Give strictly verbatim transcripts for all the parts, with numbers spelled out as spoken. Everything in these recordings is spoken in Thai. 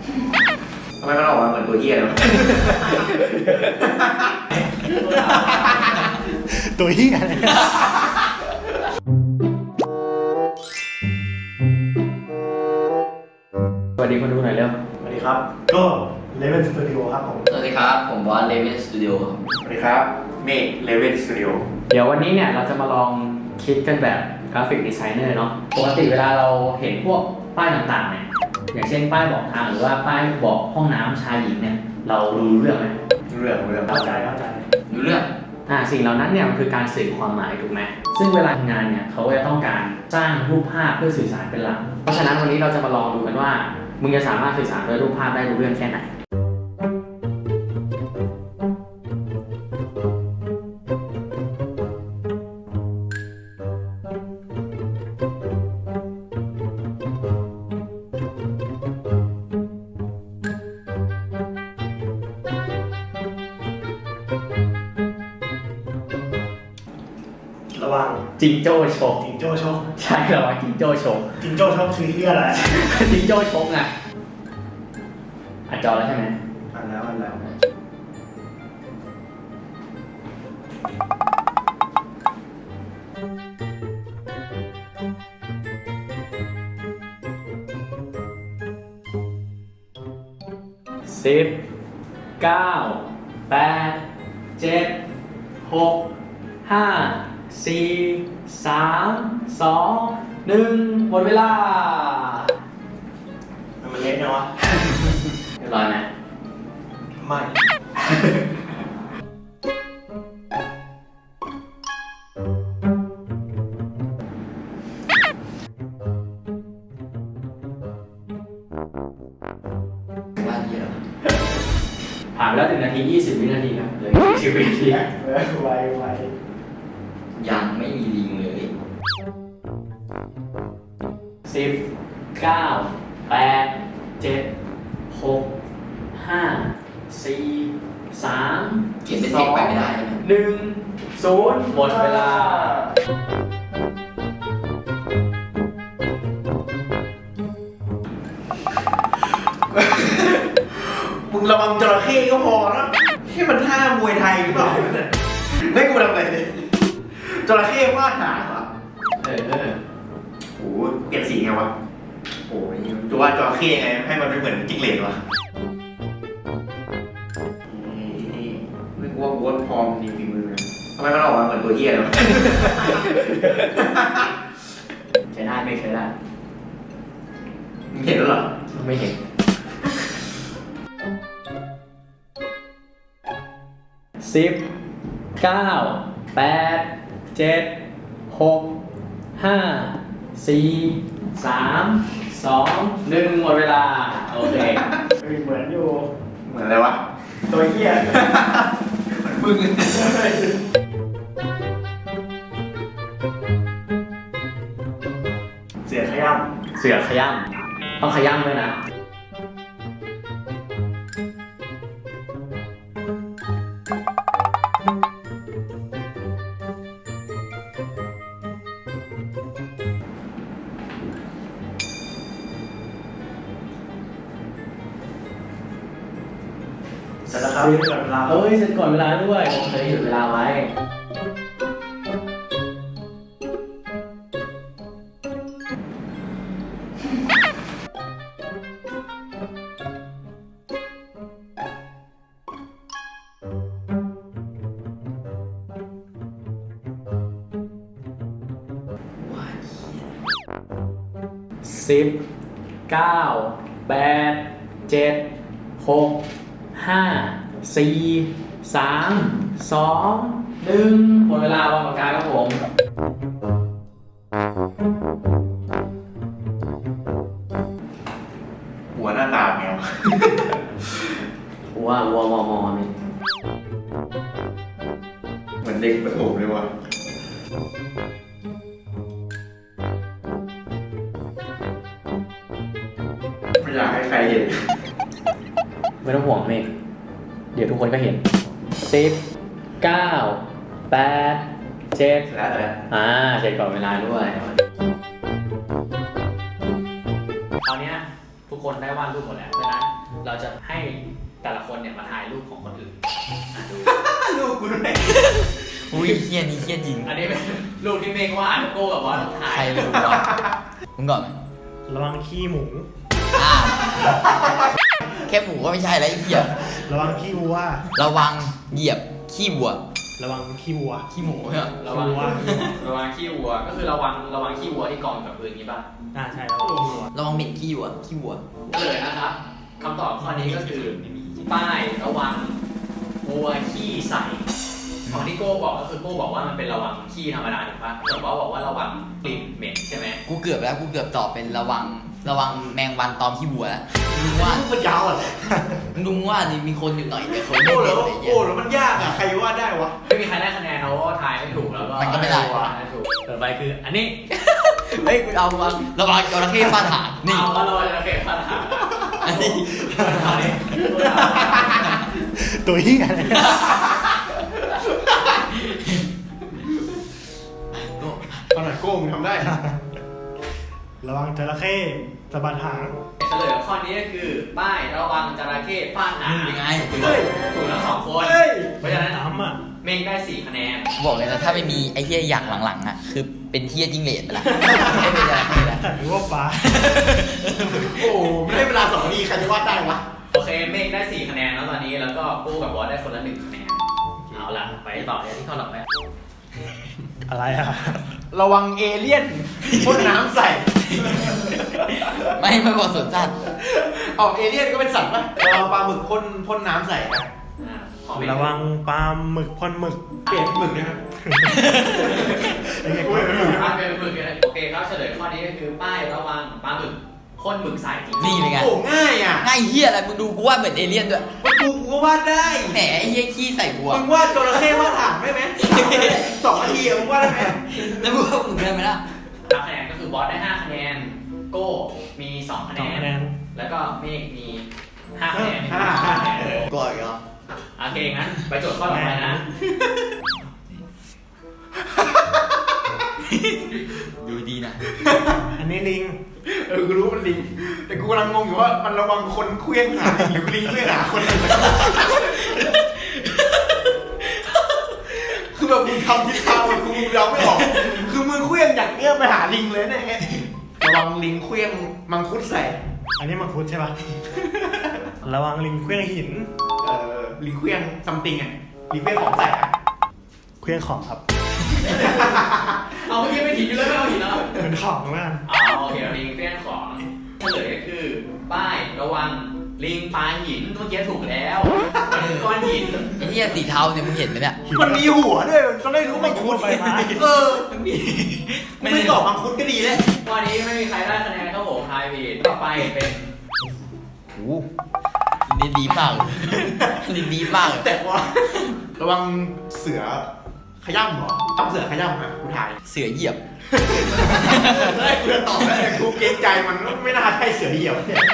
ทำไมมันออกมาเหมือนตัวเหี้ยเลยตัวเหี้ยอะไรสวัสดีคนดูหน่อยเร็วสวัสดีครับ ก็ Level Studio ครับผมสวัสดีครับ ผมบอสเลเวนสตูดิโอครับสวัสดีครับเมฆเลเวนสตูดิโอเดี๋ยววันนี้เนี่ยเราจะมาลองคิดกันแบบกราฟิกดีไซเนอร์เนาะปกติเวลาเราเห็นพวกป้ายต่างๆเนี่ยอย่างเช่นป้ายบอกทางหรือว่าป้ายบอกห้องน้ำชายหญิงเนี่ยเรารู้เรื่องไหมเรื่องเรื่องเข้าใจเข้าใจรู้เรื่องอ่าสิ่งเหล่านั้นเนี่ยมันคือการสื่อความหมายถูกไหมซึ่งเวลาทำงานเนี่ยเขาจะต้องการสร้างรูปภาพเพื่อสื่อสารเป็นหลักเพราะฉะนั้นวันนี้เราจะมาลองดูกันว่ามึงจะสามารถสื่อสารด้วยรูปภาพได้รู้เรื่องแค่ไหนระวังจิงโจ้ชกจิงโจ้ชกใช่ระวังจิงโจ้ชกจิงโจ้ชกคือที่อะไรจิงโจ้ชกไงอัดจอแล้วใช่ไหมอันแล้วอันแล้วสิบเก้าแปดเจ็ดหกห้าสี่สามสองหนึ่งหมดเวลามันเละนะวะเรียบร้อยไหมไม่ว่าดีแล้วผ่านไปแล้วหนึ่งนาทียี่สิบวินาทีครับเหลยสิบวินาทีเออไวไวยังไม่มีลิงเลยสิบเก้าแปดเจ็ดหกห้าสี่สามเขียนเป็นเทคไปไม่ได้ใช่ไหมหนึ่งศูนย์หมดเวลามึงระวังจระเข้ก็พอนะที่มันท่ามวยไทยหรือเปล่าเนี่ยไม่กูทำอะไรเนี่ยจระเข้ฟาดหางเหรอเออเออโอ้โหเปลี่ยนสีไงวะโอ้ยจะว่าจระเข้ไงให้มันไม่เหมือนจิ้งเหลนวะนี่นี่ไม่กลัวกลัวพร้อมดีฝีมือนะทำไมมันออกมาเหมือนตัวเหี้ยเลยวะใช้ได้ไม่ใช้ได้มึงเห็นแล้วเหรอไม่เห็นสิบเก้าแปดเจ็ดหกห้าสี่สามสองหนึ่งหมดเวลา โอเคเหมือนอยู่เหมือนอะไรวะตัวเหี้ยเหมือนมึงเสียขย้เสือขย้ำต้องขย้ำด้วยนะำเสร็จแล้วครับที่กับเราเอ้ยเสร็จก่อนเวลาด้วยผมเคยหยุดเวลาไว้ว่าสิบเก้าแปดเจ็ดหกห้าสี่สามสองหนึ่งหมดเวลาวางปากกาครับผมหัวหน้าตาแมวว่าวัวมอมอนี่เหมือนเด็กประถมเลยวะไม่อยากให้ใครเห็นไม่ต้องห่วงเมฆเดี๋ยวทุกคนก็เห็นสิบเก้าแปดเจ็ดเสร็จแล้วเสร็จแล้วอ่าเสร็จก่อนเวลาด้วยคราวเนี้ยทุกคนคนได้วาดรูปหมดแล้วเพราะฉะนั้นเราจะให้แต่ละคนเนี่ยมาถ่ายรูปของคนอื่นอ่ะดูลูกกูด้วยอุ้ยเฮี้ยนี่เฮี้ยจริงอันนี้เป็นรูปที่เมฆวาดโก้กับบอสถ่ายใครรู้วะมึงก่อนไหมระวังขี้หมูอ้าวแค่หมูก็ไม่ใช่แล้วไอ้เหี้ยระวังขี้วัวระวังเหยียบขี้วัวระวังขี้วัวขี้หมูเนี่ยระวังวัวระวังขี้วัวก็คือระวังระวังขี้วัวที่กองกับพื้นนี้ป่ะอ่าใช่ระวังขี้วัวระวังเหม็นขี้วัวขี้วัวเฉลยนะครับคำตอบข้อนี้ก็คือป้ายระวังวัวขี้ใส่ของที่โก้บอกก็คือโก้บอกว่ามันเป็นระวังขี้ธรรมดาถูกปะแต่ว่าบอกว่าระวังกลิ่นเหม็นใช่ไหมกูเกือบแล้วกูเกือบตอบเป็นระวังระวังแมงวันตอมขี้วัวแล้วมึงว่าลูกมันยาวอะไรลุงว่านี่มีคนอยู่หน่อยแต่คนโอ้ไม่แล้เป็นวอะไรเงี้โอ้ยแล้วมันยากอ่ะใครว่าได้วะไม่มีใครได้คะแนนนะเพราะว่าทายไม่ถูกแล้วก็มันก็ไม่ได้ทายถูกต่อไปคืออันนี้เฮ้ยกูเอามาระวังจระเข้ฟาดหางนี่เอามาลอยโอเคปัญหาอันนี้อันนี้ตัวเหี้ยอะไรขนาดโก้มึงทำได้ระวังจระเข้สะบัดหางเฉลยข้อนี้ก็คือป้ายระวังจระเข้ฟาดหางนี่เป็นไงถูกถูกทั้งสองคนเฮ้ยเพราะฉะนั้นน้ำอ่ะเมงได้สี่คะแนนบอกเลยนะถ้าไม่มีไอ้เหี้ยอย่างหลังๆอ่ะคือเป็นเหี้ยจิ้งเหลนไปละไม่เป็นอะไรแล้วแต่รู้ว่าฟ้าโอ้ไม่ได้เวลาสองนาทีใครจะวาดได้วะโอเคเมงได้สี่คะแนนแล้วตอนนี้แล้วก็กูกับบอสได้คนละหนึ่งคะแนนเอาล่ะไปต่อที่ข้อต่อไปอะไรอ่ะระวังเอเลี่ยนพ่นน้ำใส่ไม่ไม่บอกสวนสัตว์ออกเอเลี่ยนก็เป็นสัตว์ปะระวังปลาหมึกพ่นพ่นน้ำใส่อะอ่าขอเมฆระวังปลาหมึกพ่นหมึกเปลี่ยนเป็นหมึกนะครับไอ้เหี้ยโอ้ยเป็นหมึกป้ายเป็นหมึกเลยโอเคครับเฉลยข้อนี้ก็คือป้ายระวังปลาหมึกพ่นหมึกใส่จริงๆนี่เป็นไงโอ้ง่ายอ่ะง่ายเหี้ยอะไรมึงดูกูว่าเหมือนเอเลี่ยนด้วยมันกูกูก็วาดได้แหมไอ้เหี้ยขี้ใส่วัวมึงวาดจระเข้วาดถังได้ไหมสองนาทีอะมึงวาดได้ไหมแล้วมึงว่ามึงได้ไหมล่ะห้าคะแนนก็คือบอสได้ห้าคะแนนโก้มีสองคะสแนองนคะแนนแล้วก็เมฆมีห้าคะแนนห้าห้าคะแนนก่อนอีกเหรอโอเคงั้นไปโจทย์ข้อต่อไปนะดูดีนะอันนี้ลิงเออกูรู้มันลิงแต่กูกำลังงงอยู่ว่ามันระวังคนเคลี้ยงหาลิงหรือลิงเคลี้ยงหาคนคือแบบมึงทำทิศทางแบบกูเดาไม่ออกคือมึงเคลี้ยงอย่างเงี้ยไปหาลิงเลยเนี่ยระวังลิงเคลี้ยงมังคุดใส่อันนี้มังคุดใช่ปะระวังลิงเครื่องหินเอ่อลิงเคลี้ยงซัมติงอ่ะลิงเคลี้ยงของใส่อะเครื่องของครับเอาเมื่อกี้ไม่ถินอยู่เลยไม่เอาหินแล้วเป็นของมากอ๋อโอเคลิงเรื่องของเฉลยก็คือป้ายระวังลิงปลาหินเมื่อกี้ถูกแล้วมันคือก้อนหินไอ้เหี้ยสีเทาเนี่ยมึงเห็นไหมเนี่ยมันมีหัวด้วยมันก็ได้รู้มังคุดไปมาเออกูไม่ตอบมังคุดก็ดีเลยข้อนี้ไม่มีใครได้คะแนนครับผมทายผิดต่อไปเป็นโอ้นี่ดีมากเลยนี่ดีมากเลยแต่ว่าระวังเสือขย้ำเหรอต้องเสือขย้ำอ่ะกูถ่ายเสือเหยียบเฮ้ยกูจะตอบแล้วแต่กูเกรงใจมันไม่น่าใช่เสือเหยียบเนี่ย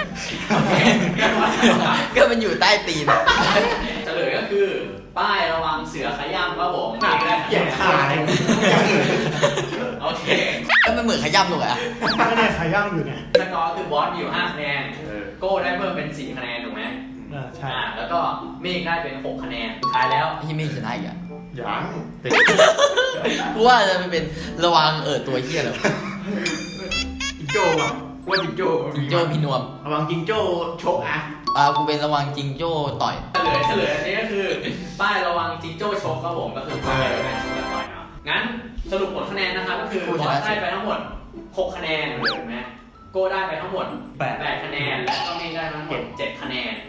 ก็มันอยู่ใต้ตีนอะเฉลยก็คือป้ายระวังเสือขย้ำครับผมหนักเหยียบขาเลยอย่างอื่นโอเคแล้วมันเหมือนขย้ำลงอะก็เนี่ยขย่างอยู่ไงสกอร์คือบอสมีอยู่ห้าคะแนนโก้ได้เพิ่มเป็นสี่คะแนนถูกไหมเออใช่อ่าแล้วก็เมฆได้เป็นหกคะแนนสุดท้ายแล้วไอ้ที่ไม่ชนะอีกอะยังกูว่าจะเป็นระวังเออตัวเหี้ยแล้วจิงโจ้อ่ะว่าจิงโจ้จิงโจ้พี่นวมระวังจิงโจ้ชกอ่ะอ่ากูเป็นระวังจิงโจ้ต่อยเฉลยเฉลยอันนี้ก็คือป้ายระวังจิงโจ้ชกครับผมก็คือป้ายระวังชกกันต่อยเนาะงั้นสรุปผลคะแนนนะครับก็คือบอสได้ไปทั้งหมดหกคะแนนเห็นไหมโก้ได้ไปทั้งหมดแปดคะแนนและก็เมฆได้ทั้งหมดเจ็ดคะแนน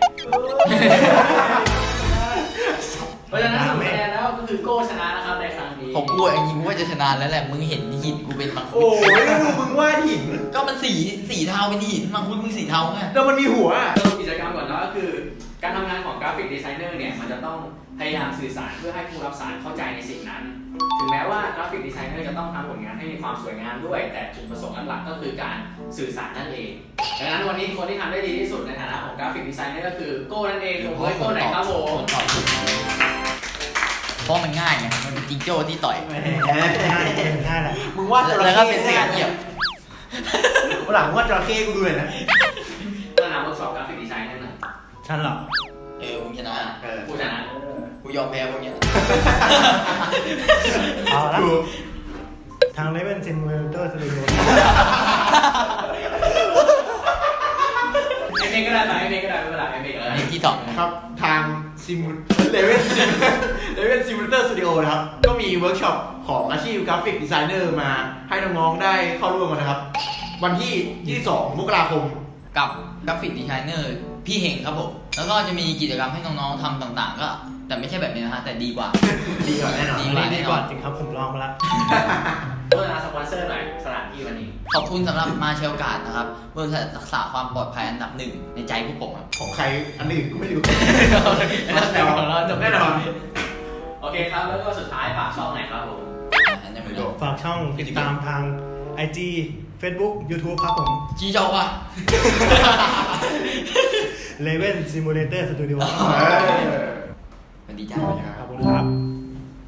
เพราะฉะนั้นสรุปคะแนนแล้วก็คือโก้ชนะนะครับในครั้งนี้ผมกูจริงๆกูว่าจะชนะแล้วแหละมึงเห็นหินกูเป็นมังคุโอ้ดยดูมึงวาดหินก็มันสีสีเทาเป็นหินมังคุดมึงสีเทาไงแล้วมันมีหัวอ่ะสรุปกิจกรรมก่อนนะก็คือการทำงานของกราฟิกดีไซเนอร์เนี่ยมันจะต้องพยายามสื่อสารเพื่อให้ผู้รับสารเข้าใจในสิ่งนั้น ถึงแม้ว่ากราฟิกดีไซเนอร์จะต้องทำผลงานให้มีความสวยงามด้วย แต่จุดประสงค์หลักๆก็คือการสื่อสารนั่นเองดังนั้นวันนี้คนที่ทำได้ดีที่สุดในฐานะของกราฟิกดีไซเนอร์ก็คือโก้นั่นเองผมโก้ไหนครับผมตอบถูกเพราะมันง่ายไงมันเป็นจิงโจ้ที่ต่อยง่ายง่ายแหละมึงวาดจระแล้วก็เข้เป็นเสือเหยียบวันหลังวาดจระเข้กูดูหน่อยนะก็นำกราฟิกดีไซน์นั่นน่ะฉันเหรอเออมึงชนะเออผู้ชนะกูยอมแพ้พวกเนี้ยเอาละถูกทาง Level Simulator Studio ไอเมย์ก็ได้ไหมไอเมย์ก็ได้ไม่เป็นไรไอเมย์ก็ได้นี่ที่สองนะครับทางซิมูเลเว่นเลเว่นซิมูเลเตอร์สตูดิโอนะครับ ก็มีเวิร์กช็อปของอาชีพกราฟิกดีไซเนอร์มาให้น้องๆได้เข้าร่วมกันนะครับ วันที่ยี่สิบสองมกราคมกับกราฟิกดีไซเนอร์พี่เฮงครับผมแล้วก็จะมีกิจกรรมให้น้องๆทำต่างๆ ก็แต่ไม่ใช่แบบนี้นะฮะแต่ดีกว่าดีกว่าแน่นอนดีอันนี้ดีกว่าจริงครับผมลองมาแล้วโฆษณาสปอนเซอร์หน่อยสถานที่วันนี้ขอบคุณสำหรับมาเชลการ์ดนะครับบริษัทรักษาความปลอดภัยอันดับหนึ่งในใจพวกผมครับของใครอันอื่นก็ไม่รู้แน่นอนแน่นอนโอเคครับแล้วก็สุดท้ายฝากช่องไหนครับผมอันนี้ไม่รู้ฝากช่องติดตามทาง ไอ จี Facebook YouTube ครับผมชี้เจ้าว่ะ Level Simulator Studio สวัสดีจ้าขอบคุณครับ